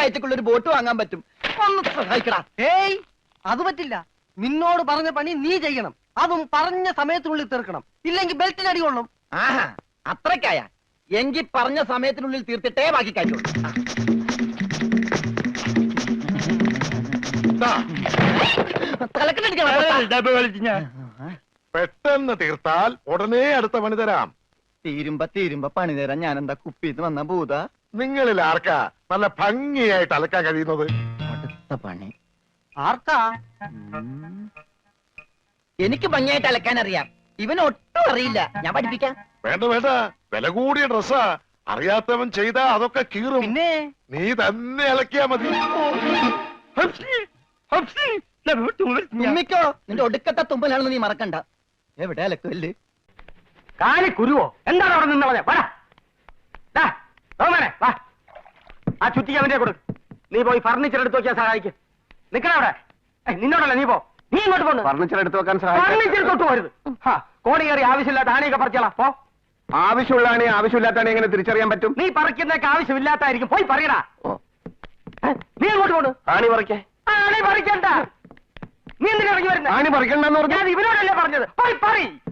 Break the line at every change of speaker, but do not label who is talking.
ഒരാഴ്ചക്കുള്ള ഒരു ബോട്ട് വാങ്ങാൻ പറ്റും. ഒന്ന് സഹായിക്കടാ.
ഏയ് അത് പറ്റില്ല. നിന്നോട് പറഞ്ഞ പണി നീ ചെയ്യണം. അതും പറഞ്ഞ സമയത്തിനുള്ളിൽ തീർക്കണം. ഇല്ലെങ്കിൽ ബെൽറ്റിന് അടി കൊള്ളും.
ആഹാ അത്രക്കായ എങ്കിൽ പറഞ്ഞ സമയത്തിനുള്ളിൽ തീർത്തിട്ടേ ബാക്കി കഴിയുള്ളൂ.
പെട്ടെന്ന് തീർത്താൽ ഉടനെ അടുത്ത പണി തരാം.
തീരുമ്പ പണി തരാൻ ഞാൻ എന്താ കുപ്പിന്ന് വന്ന ഭൂത?
നിങ്ങളിൽ ആർക്കാ നല്ല ഭംഗിയായിട്ട് അലക്കാൻ കഴിയുന്നത്?
അടുത്ത പണി
ആർക്കാ?
എനിക്ക് ഭംഗിയായിട്ട് അലക്കാൻ അറിയാം. ഇവന് ഒട്ടും അറിയില്ല. ഞാൻ പഠിപ്പിക്കാം.
വേണ്ട വേണ്ട, വില കൂടിയ ഡ്രസ്സാ. അറിയാത്തവൻ ചെയ്താ അതൊക്കെ കീറും.
പിന്നെ
നീ തന്നെ അലക്കിയാ മതി.
തുമ്മിക്കോ, നിന്റെ ഒടുക്കത്തെ തുമ്പലാണെന്ന് നീ മറക്കണ്ട. എവിടെ അലക്കല്ലേ?
കാലി കുരുവോ? എന്താണ് അവിടെ നിന്നവനെ? ആ ചുറ്റിക്ക് അവന്റെ കൊടു. നീ പോയി ഫർണിച്ചർ എടുത്ത് നോക്കിയാൽ സഹായിക്കും. നിക്കണ അവിടെ. നിന്നോടല്ല, നീ പോ. നീ ഇങ്ങോട്ട് പോന്നു.
ഫർണിച്ചർ എടുത്ത് വെക്കാൻ
ഫർണിച്ചർ തൊട്ട് പോരുത്. കോണി കയറി ആവശ്യമില്ലാത്ത ആണിയൊക്കെ പറിച്ചോളാം. പോ.
ആവശ്യമുള്ളതാണ് ആവശ്യമില്ലാത്താണ് എങ്ങനെ തിരിച്ചറിയാൻ പറ്റും?
നീ പറിക്കുന്നതൊക്കെ ആവശ്യമില്ലാത്തായിരിക്കും. പോയി പറയടാ. നീ അങ്ങോട്ട് പോണു.
ആണി പറിക്കേ?
ആണി പറിക്കണ്ട. നീ എന്തിനാ ഇറങ്ങി വരുന്നത്?
ആണി പറിക്കണ്ടെന്ന് പറഞ്ഞു.
ഞാൻ ഇവനോടല്ലേ പറഞ്ഞത്? പോയി പറ.